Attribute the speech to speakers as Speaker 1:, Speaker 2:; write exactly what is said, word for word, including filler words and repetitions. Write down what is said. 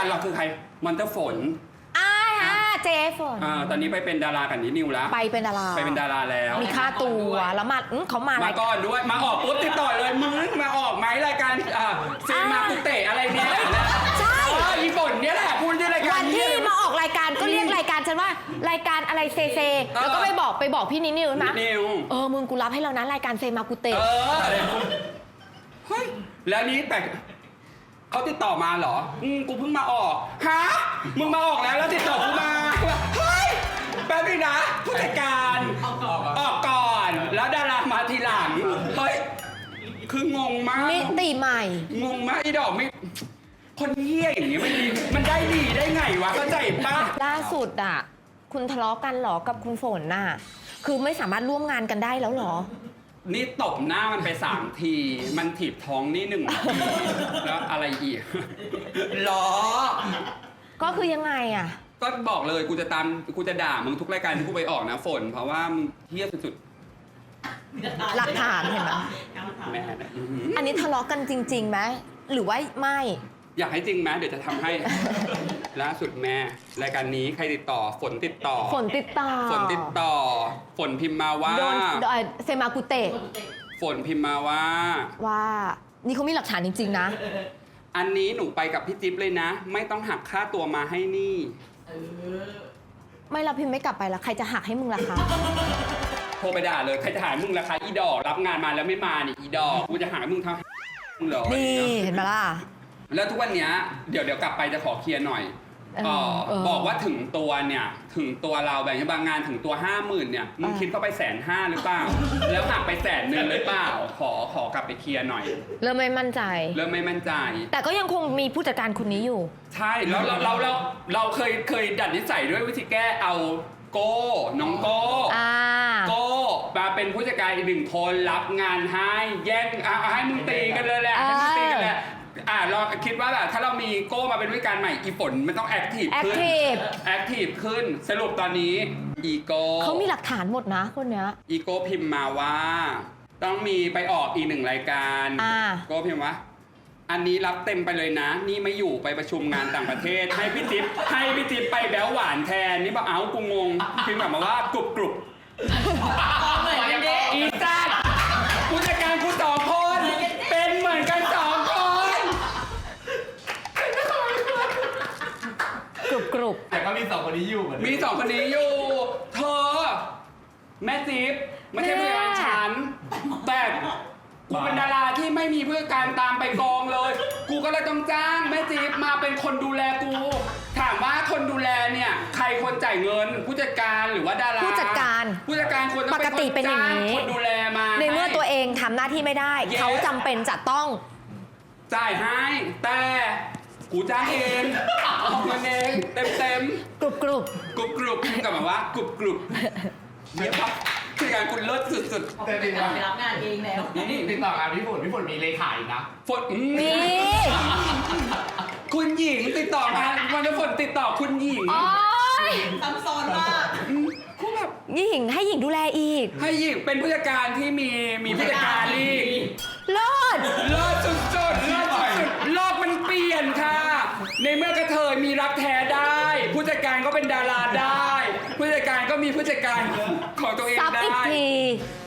Speaker 1: การเราคือใครมันจะฝน
Speaker 2: อ่าฮะเจฝน
Speaker 1: อ่าตอนนี้ไปเป็นดารากับนินิวแล้ว
Speaker 2: ไปเป็นดารา
Speaker 1: ไปเป็นดาราแล้ว
Speaker 2: มีค่าตัวแล้วมาเขามา
Speaker 1: มาก่อนด้วยมาออกปุ๊บติดต่อเลยมึงมาออกไหมรายการอ่าเซมากุเตะอะไรเนี่ย
Speaker 2: ใช่
Speaker 1: อีฝนเนี่ยแหละพูดที่รายการ
Speaker 2: วันที่มาออกรายการก็เรียกรายการฉันว่ารายการอะไรเซเซแล้วก็ไปบอกไปบอกพี่นินิวใช่ไหมเออมึงกูรับให้แล้วนะรายการเซมากุเตะ
Speaker 1: เออเฮ้ยแล้วนี้แต่เขาติดต่อมาเหรออืมกูเพิ่งมาออกฮะมึงมาออกแล้วแล้วติดต่อกูมาเฮ้ยแป๊บนึงนะผู้จัดการออกก่อนแล้วดารามาทีหลังเฮ้ยคืองงมาก
Speaker 2: มิติใหม่
Speaker 1: งงมากไอ้ดอกไม่คนเหี้ยอย่างนี้มันดีมันได้ดีได้ไงวะเข้าใจปะ
Speaker 2: ล่าสุดอ่ะคุณทะเลาะกันหรอกับคุณฝนน่ะคือไม่สามารถร่วมงานกันได้แล้วหรอ
Speaker 1: นี่ตบหน้ามันไปสามทีมันถีบท้องนี่หนึ่งทีแล้วอะไรอีกล้อ
Speaker 2: ก็คือยังไงอ่ะ
Speaker 1: ก็บอกเลยกูจะตามกูจะด่ามึงทุกรายการที่กูไปออกนะฝนเพราะว่ามึงเหี้ยสุด
Speaker 2: หลักฐานเห็นไหม
Speaker 1: แม่
Speaker 2: อันนี้ทะเลาะกันจริงๆไหมหรือว่าไม่
Speaker 1: อยากให้จริงไหมเดี๋ยวจะทำให้ล่าสุดแม่รายการนี้ใครติดต่อฝนติดต่อ
Speaker 2: ฝนติดต่อ
Speaker 1: ฝนติดต่อฝนพิมพ์มาว่า
Speaker 2: โดนเซมากุเตะ
Speaker 1: ฝนพิมพ์มาว่า
Speaker 2: ว่านี่เขามีหลักฐานจริงๆนะ
Speaker 1: อันนี้หนูไปกับพี่จิ๊บเลยนะไม่ต้องหักค่าตัวมาให้นี่
Speaker 2: ไม่เราพิมพ์ไม่กลับไปแล้วใครจะหักให้มึงล่ะคะ
Speaker 1: โทรไปด่าเลยใครจะหามึงราคาอีดอกรับงานมาแล้วไม่มานี่อีดอกกูจะหามึงทำมึงเหรอ
Speaker 2: นี่เห็นไหมล่ะ
Speaker 1: แล้วทุกวันนี้เดี๋ยวเดี๋ยวกลับไปจะขอเคลียร์หน่อยเออเออบอกว่าถึงตัวเนี่ยถึงตัวเราแบบบางงานถึงตัวห้าหมื่นเนี่ยมึงคิดก็ไปแสนห้าหรือเปล่าแล้วหักไปแสนหนึ่งหรือเปล่าขอขอกลับไปเคลียร์หน่อย
Speaker 2: เริ่มไม่มั่นใจ
Speaker 1: เริ่มไม่มั่นใจ
Speaker 2: แต่ก็ยังคงมีผู้จัดการคนนี้อยู่
Speaker 1: ใช่แล้วเราเราเราเราเคยเคยดัดนิสัยด้วยวิธีแก้เอาโก้น้องโก้โก้มาเป็นผู้จัดการอีกหนึ่งคนรับงานให้แย่งเอาให้มึงตีกันเลยแหละให้มึงตีกันแหละอ่าเราคิดว่าแบบถ้าเรามีโก้มาเป็นผู้จัดการใหม่อีฝนมันต้องแอคทีฟขึ้นแอคทีฟขึ้นสรุปตอนนี้อีโก้
Speaker 2: เขามีหลักฐานหมดนะคนเนี้ย
Speaker 1: อีโก้พิมพ์มาว่าต้องมีไปออกอีกหนึ่งรายการโก้พิมพ์ว่าอันนี้รับเต็มไปเลยนะนี่ไม่อยู่ไปประชุมงานต่างประเทศให้พี่จิ๊บให้พี่จิ๊บไปแบ๊วหวานแทนนี่บอกเอ้ากูงงพิมพ์แบบมาว่ากรุบกรุบอีจ้าผู้จัดการกูสองคนเป็นเหมือนกันสองคน
Speaker 2: กรุบกรุบ
Speaker 3: แต่ก็มีสองคนนี้อยู่เหมือน
Speaker 1: มีสองคนนี้อยู่เธอแม่จิ๊บไม่ใช่ผู้จัดการฉันแต่กูเป็นดาราที่ไม่มีผู้จัดการตามไปกองเลยกูก็เลยต้องจ้างแม่จิ๊บมาเป็นคนดูแลกูถามว่าคนดูแลเนี่ยใครคนจ่ายเงินผู้จัดการหรือว่าดารา
Speaker 2: ผู้จัดการ
Speaker 1: ผู้จัดการคนต้องเป็นคนจ้างคนดูแลมา
Speaker 2: ในเมื่อตัวเองทำหน้าที่ไม่ได้เขาจำเป็นจะต้อง
Speaker 1: จ่ายให้แต่กูจ้างเองเอาเงินเองเต็มเต็ม
Speaker 2: กรุบกรุบ
Speaker 1: กรุบกรุบกลับมาว่ากรุบกรุบเนี่ยครับคือการคุณเลิศสุด
Speaker 3: ๆแต่ติดต่อไปรับงานเองแล้วนี่ติดต่องานพี่ฝนพี่ฝนมีเลขาอีกนะ
Speaker 1: ฝนมีคุณหญิงติดต่องานวันนี้ฝนติดต่อคุณหญิง
Speaker 4: ซับซ้อนมาก
Speaker 1: คุณแบบ
Speaker 2: หญิงให้หญิงดูแลอีก
Speaker 1: ให้หญิงเป็นผู้จัดการที่มีมีผู้จัดการอีก
Speaker 2: เลิศ
Speaker 1: เลิศสุดๆเลิศสุดๆโลกมันเปลี่ยนค่ะในเมื่อกระเทยมีรักแท้ได้ผู้จัดการก็เป็นดาราได้ผู้จัดการก็มีผู้จัดการของตัวเองได้